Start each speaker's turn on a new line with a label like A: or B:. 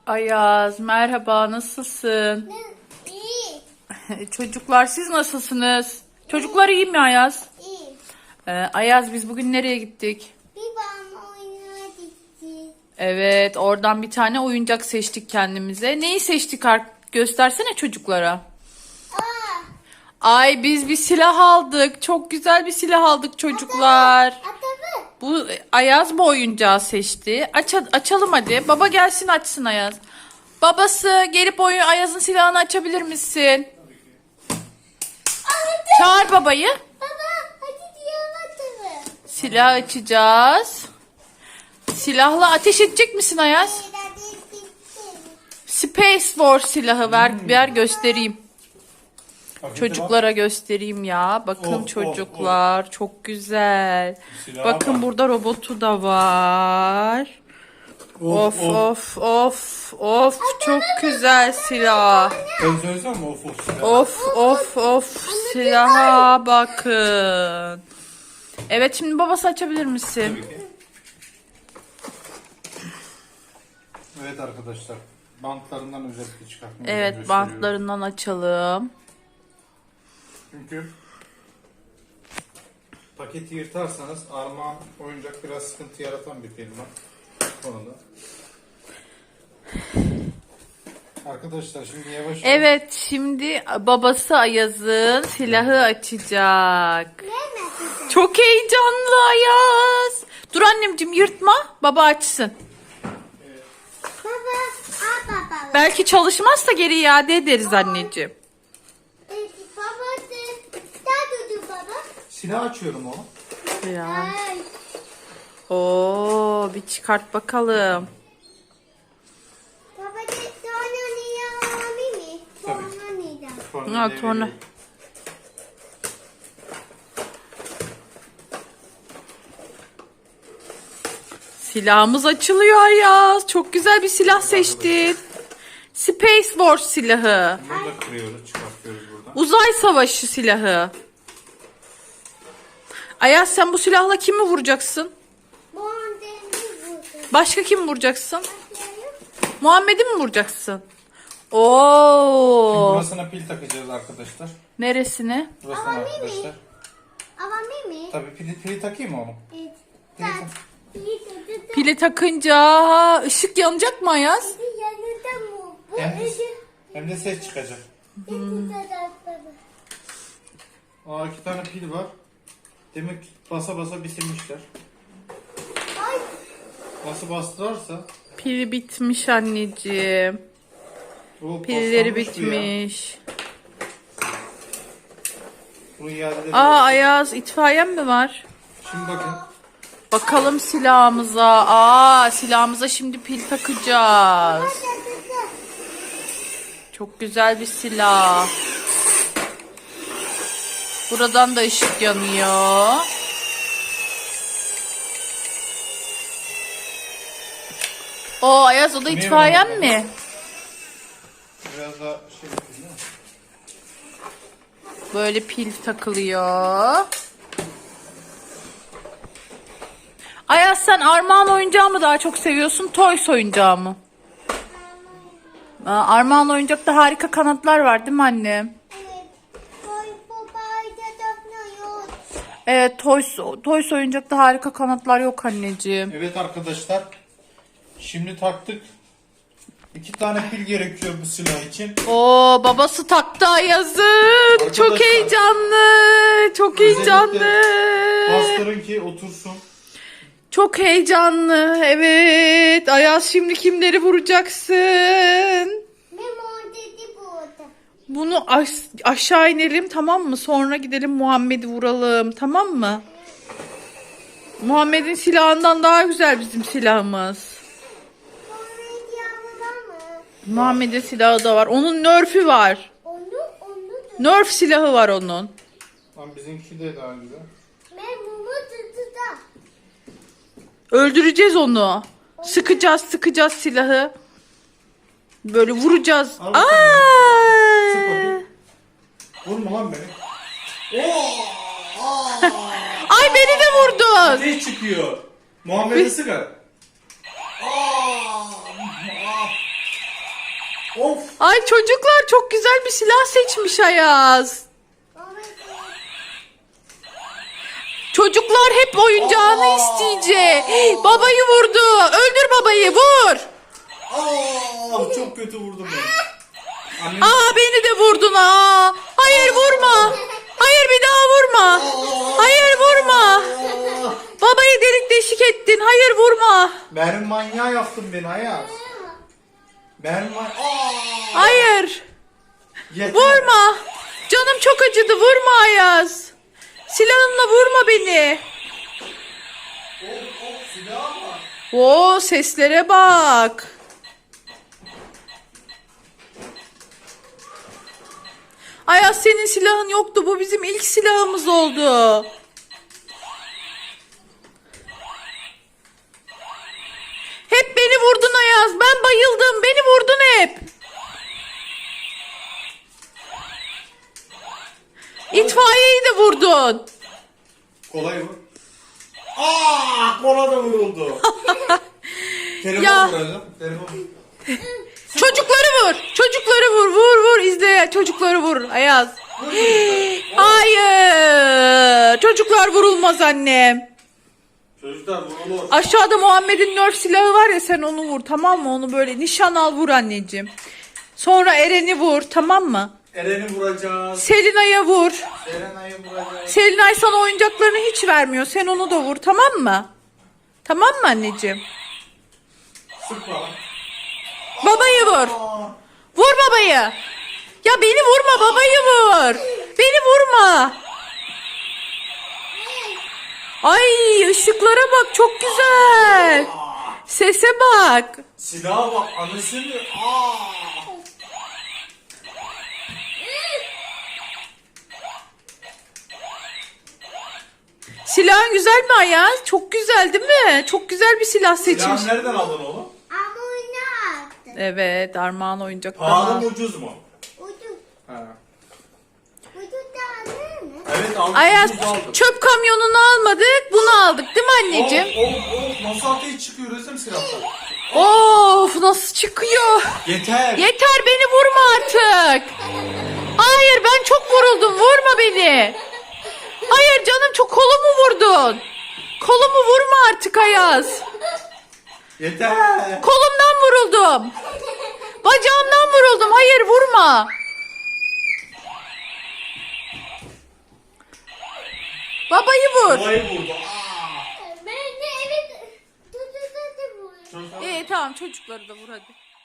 A: Ayaz, merhaba, nasılsın?
B: İyi.
A: Çocuklar, siz nasılsınız? Çocuklar iyi mi Ayaz?
B: İyi.
A: Ayaz, biz bugün nereye gittik?
B: Bir bana oyuna gitti.
A: Evet, oradan bir tane oyuncak seçtik kendimize. Neyi seçtik? Göstersene çocuklara.
B: Aa,
A: Ay, biz bir silah aldık. Çok güzel bir silah aldık çocuklar.
B: atabı.
A: Bu Ayaz bu oyuncağı seçti. Açalım hadi. Baba gelsin açsın Ayaz. Babası gelip Ayaz'ın silahını açabilir misin? Çağır babayı.
B: Baba, hadi diğer atabı.
A: Silah açacağız. Silahla ateş edecek misin Ayaz? Space War silahı ver göstereyim. Çocuklara göstereyim ya. Bakın çocuklar çok güzel. Bakın burada robotu da var. Of of of of çok güzel silah.
C: Ben söylesem mi of silah?
A: Of of of silaha bakın. Evet şimdi babası açabilir misin?
C: Tabii ki. Evet arkadaşlar. Bantlarından özellikle çıkartmayı
A: Evet
C: gösteriyorum.
A: bantlarından açalım.
C: Çünkü paketi yırtarsanız Armağan oyuncak biraz sıkıntı yaratan bir firma. Bu konuda. Arkadaşlar şimdi yavaş yavaş.
A: Evet şimdi babası Ayaz'ın silahı açacak. Çok heyecanlı Ayaz. Dur annemciğim yırtma baba açsın.
B: Baba, baba.
A: Belki çalışmazsa geri iade ederiz anneciğim.
B: Baba, daha dur baba.
C: Silah açıyorum oğlum.
A: Ya.
B: Ay,
A: Oo bir çıkart bakalım.
B: baba de sonra niye alayım mı?
C: Tabii.
B: Sonra neden?
A: Ha, torna. Silahımız açılıyor Ayaz. Çok güzel bir silah seçtin. Space Force silahı.
C: Bunu da kırıyoruz, çıkartıyoruz buradan.
A: Uzay savaşı silahı. Ayaz sen bu silahla kimi vuracaksın?
B: Bu andemi vurdu.
A: Başka kim vuracaksın? Muhammed'i mi vuracaksın? Oo.
C: Burasına pil takacağız arkadaşlar.
A: Neresine?
C: Burasına arkadaşlar.
B: Ama mi?
C: Tabii pili takayım mı oğlum?
B: Evet.
A: Pili takınca ışık yanacak mı Ayaz?
B: Yanında mı? Bu
C: Hem de,
B: ışık.
C: hem de ses çıkacak. Aa, 2 tane pil var. Demek ki basa basa bitirmişler.
B: Ay,
C: Nasıl bastırarsa
A: Pili bitmiş anneciğim.
C: o
A: Pilleri
C: paslanmış bu ya.
A: bitmiş.
C: Bunu iade edelim.
A: Ayaz itfaiyen mi var?
C: Şimdi bakın.
A: Bakalım silahımıza. Silahımıza şimdi pil takacağız. Çok güzel bir silah. Buradan da ışık yanıyor. Ayaz o da
C: Niye
A: itfaiyen
C: böyle
A: mi?
C: Biraz daha şey yapayım değil mi?
A: Böyle pil takılıyor. Ayaz sen Armağan oyuncağı mı daha çok seviyorsun, Toys oyuncağı mı? Armağan oyuncakta harika kanatlar var değil mi annem?
B: evet. Koy babayda dokunuyor.
A: Evet Toys oyuncakta harika kanatlar yok anneciğim.
C: Evet arkadaşlar. Şimdi taktık. 2 tane pil gerekiyor bu silah için.
A: Babası taktı Ayaz'ın. Çok
C: Arkadaşlar,
A: heyecanlı. Çok heyecanlı.
C: Bastırın ki otursun.
A: Çok heyecanlı. Evet. Ayaz şimdi kimleri vuracaksın?
B: Memo dedi burada.
A: Bunu aşağı inelim tamam mı? Sonra gidelim Muhammed'i vuralım tamam mı? Muhammed'in silahından daha güzel bizim silahımız.
B: Sonra yavrular mı?
A: Muhammed'in silahı da var. Onun Nerf'ü var.
B: Onu da.
A: Nerf silahı var onun.
C: Lan bizimki de daha güzel.
B: Memo dedi da.
A: Öldüreceğiz onu. Sıkacağız silahı. Böyle vuracağız.
C: Al bakalım.
A: Ay!
C: Sık bakayım. Vurma lan beni.
A: Ay beni de vurdun.
C: Ne çıkıyor? Muhammed'i sıkar. Of.
A: Ay çocuklar çok güzel bir silah seçmiş Ayaz. Çocuklar hep oyuncağını isteyecek. Babayı vurdu. Öldür babayı, vur.
C: Çok kötü vurdum ben. Annem...
A: Aa beni de vurdun ha. Hayır vurma. Hayır bir daha vurma. Hayır vurma. Babayı delik deşik ettin. Hayır vurma.
C: Mermi manyağı yaptın beni Ayaz. Mermi manyağı.
A: Hayır.
C: Yeter.
A: Vurma. Canım çok acıdı. Vurma Ayaz. Silahınla vurma beni.
C: Silah var.
A: Oo seslere bak. Ayaz senin silahın yoktu. Bu bizim ilk silahımız oldu. Hep beni vurdun Ayaz. Ben bayıldım. Beni vurdun hep. İtfaiyeyi de vurdun.
C: Kolay vur. Kola da vuruldu. Telefon
A: Ya.
C: vuracağım. Telefon.
A: Çocukları vur. Çocukları vur. Vur vur izle. Çocukları vur Ayaz. Hayır. Çocuklar vurulmaz annem.
C: Çocuklar vurulur.
A: Aşağıda Muhammed'in Nerf silahı var ya, sen onu vur, tamam mı? Onu böyle nişan al, vur anneciğim. Sonra Eren'i vur, tamam mı?
C: Eren'i vuracağız.
A: Selinay'a vur.
C: Serenay'ı vuracağız.
A: Selinay sana oyuncaklarını hiç vermiyor. Sen onu da vur, tamam mı? Tamam mı anneciğim?
C: Sıkma lan.
A: Babayı vur. Vur babayı. Ya beni vurma, babayı vur. Beni vurma. Ay ışıklara bak, çok güzel. Sese bak.
C: Silaha bak anasını.
A: Silahın güzel mi Ayaz? Çok güzel değil mi? Çok güzel bir silah seçmiş.
C: Silahı nereden aldın oğlum?
B: Ama oyunu attı.
A: Evet, Armağan oyuncaktan.
C: Pahalı mı ucuz mu?
B: Ucuz.
C: Ha.
B: Ucuz da değil mi?
C: Evet aldım.
A: Ayaz
C: ucuz aldım.
A: çöp kamyonunu almadık, bunu aldık değil mi anneciğim?
C: Of nasıl ateş çıkıyor resim silahlar.
A: Of nasıl çıkıyor?
C: Yeter.
A: Yeter, beni vurma artık. Hayır, ben çok vuruldum, vurma beni. Hayır canım, çok kolumu vurdun. Kolumu vurma artık Ayaz.
C: Yeter.
A: Kolumdan vuruldum. Bacağımdan vuruldum. Hayır vurma. Babayı vur.
C: Olayı vurdu.
B: Ben de evet. Tututu bu.
C: Çocuklar-
A: İyi tamam, çocukları da vur hadi.